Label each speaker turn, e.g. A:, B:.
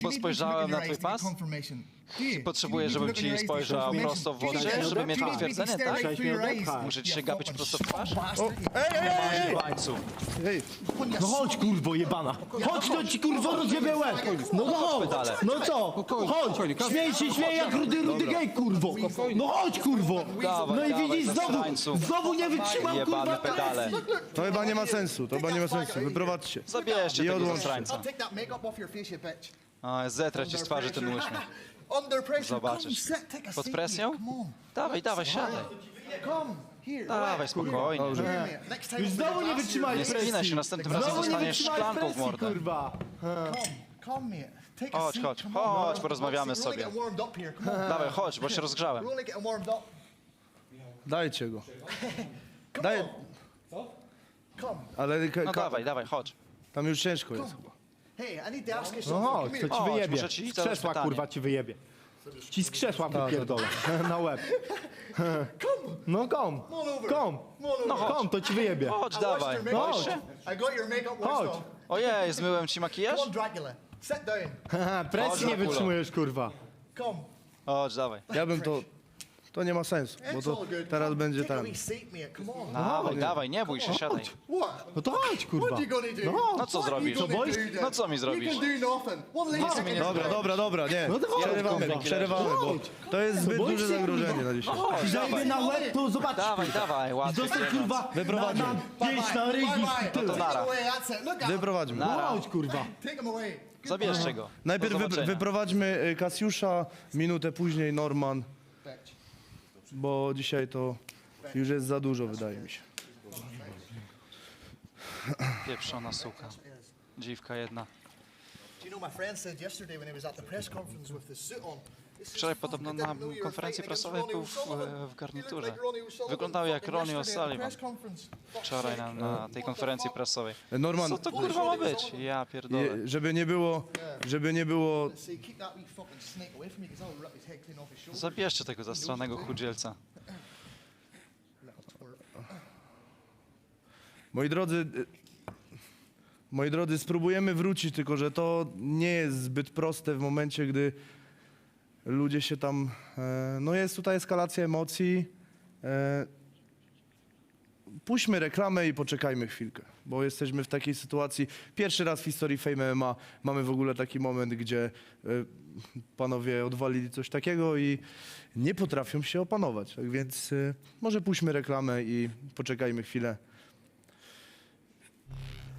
A: Bo spojrzałem na twój pas? Potrzebuję, żebym ci spojrzał prosto w oczy, żeby mieć potwierdzenie, tak? Muszę ci się gapić prosto w twarz?
B: Ej!
A: Bańcu.
B: No chodź, kurwo jebana! Chodź, to ci kurwo rozjebie łeb! No chodź! No co? Chodź! Śmiej się jak rudy gej, kurwo! No chodź, kurwo!
A: Dawaj,
B: No i
A: dawaj,
B: widzisz,
A: zasrańcu.
B: znowu nie wytrzymam,
A: Jebane
B: kurwa,
A: pedale.
C: To chyba nie ma sensu, Wyprowadźcie.
A: Zabierzcie
C: I
A: tego
C: odłączcie.
A: zasrańca.
D: I'll take that makeup off your face, you bitch.
A: O, zetrę ci z twarzy ten uśmiech.
D: Under pressure.
A: Zobaczysz.
D: Come, sit, take a
A: Pod
D: seat,
A: presją?
D: mate. Come on.
A: Dawaj, dawaj, siadaj.
D: Come. Here.
A: Dawaj, spokojnie.
D: Here, mate. Next time
B: Już
D: I'll
B: znowu
D: bring
B: nie
D: a glass
B: wytrzymaj
A: Nie
B: presji!
A: spinaj się, następnym razem
B: Znowu nie
A: dostaniesz
B: wytrzymaj
A: szklanką w
B: presji,
A: mordę.
B: kurwa!
D: Come, mate. Take a
A: Chodź,
D: seat.
A: chodź,
D: Come on,
A: chodź,
D: man.
A: porozmawiamy
D: We're only
A: sobie.
D: getting warmed up here. Come on.
A: Dawaj, chodź, bo się rozgrzałem.
D: We're only getting warmed up.
C: Dajcie go.
D: Come
C: Daj,
D: on. Come.
C: ale
A: No dawaj, dawaj, chodź.
C: tam już ciężko jest chyba.
D: Hey, I need to ask you
B: No
D: something.
B: chodź,
D: Come
B: to
D: here.
B: ci
A: Chodź,
B: wyjebie.
A: muszę ci
B: Z
A: zadać
B: krzesła,
A: pytanie.
B: kurwa, ci wyjebie. Ci z krzesła wypierdolę. Na łeb. No kom. Kom.
A: No chodź.
B: Kom, to ci wyjebie.
A: Chodź,
D: I
A: dawaj.
D: watched your
A: Boisz
D: makeup.
A: się?
D: I got your makeup washed
B: Chodź.
D: off.
A: Ojej, zmyłem ci makijaż?
D: Come on, Dracula. Sit down.
B: Haha, presji nie
A: Chodź,
B: wytrzymujesz, kurwa.
D: Come.
A: Chodź, dawaj.
C: Ja bym to nie ma sensu, bo
D: It's
C: to
D: all good.
C: teraz
D: Come,
C: będzie
D: take a
C: ten.
D: wee seat, mate. Come on.
A: Dawaj, dawaj, nie bój się, siadaj.
D: What?
B: No to chodź, kurwa.
D: What you gonna do?
A: No co
D: What
A: zrobisz?
D: you gonna
B: boisz?
D: do then?
A: No co mi zrobisz?
D: You can do nothing. What lady
A: mnie nie
C: Dobra, nie.
B: No to chodź, kurwa.
C: Przerywamy, bo to jest zbyt
B: boisz
C: duże
B: się,
C: zagrożenie
B: kurwa?
C: na dzisiaj.
A: Chodź,
B: Zajmie
A: dawaj.
B: na łeb, to zobaczysz.
A: Dawaj, dawaj, łatwo.
B: Zostań, kurwa,
C: Wyprowadźmy.
B: na pięść, na rygi.
D: Bye,
B: Tyle.
D: bye. Take him away, that's it. Look at him.
C: Wyprowadźmy.
B: No chodź, kurwa.
D: Take him away.
A: Zabierzcie go.
C: Najpierw
A: Do zobaczenia.
C: wyprowadźmy Kasiusza, minutę później Norman,
D: Bitch.
C: bo dzisiaj to już jest za dużo, wydaje mi się.
A: Pieprzona suka. Dziwka jedna.
D: Do you know, my friend said yesterday when he was at the press conference with the suit on. he says,
A: Wczoraj
D: "Fuck,
A: podobno
D: I
A: na
D: didn't know you were
A: konferencji
D: fighting against
A: prasowej
D: Ronnie
A: był
D: O'Sullivan.
A: w garniturze.
D: You look like Ronnie O'Sullivan
A: Wyglądał jak
D: fucking
A: Ronnie
D: yesterday at the
A: O'Sullivan.
D: press conference. Fuck's
A: Wczoraj
D: sake.
A: na tej konferencji prasowej.
C: Norman,
A: Co to kurwa ma być? Ja pierdolę.
C: żeby nie było,
D: Say, keep that wee fucking snake away from me because I'll rip his head clean off his shoulders.
A: Zabierzcie tego zastranego chudzielca.
D: Little twerp.
C: moi drodzy, spróbujemy wrócić, tylko że to nie jest zbyt proste w momencie, gdy ludzie się tam, no jest tutaj eskalacja emocji. Puśćmy reklamę i poczekajmy chwilkę, bo jesteśmy w takiej sytuacji. Pierwszy raz w historii Fame MMA mamy w ogóle taki moment, gdzie panowie odwalili coś takiego i nie potrafią się opanować. Tak więc może puśćmy reklamę i poczekajmy chwilę.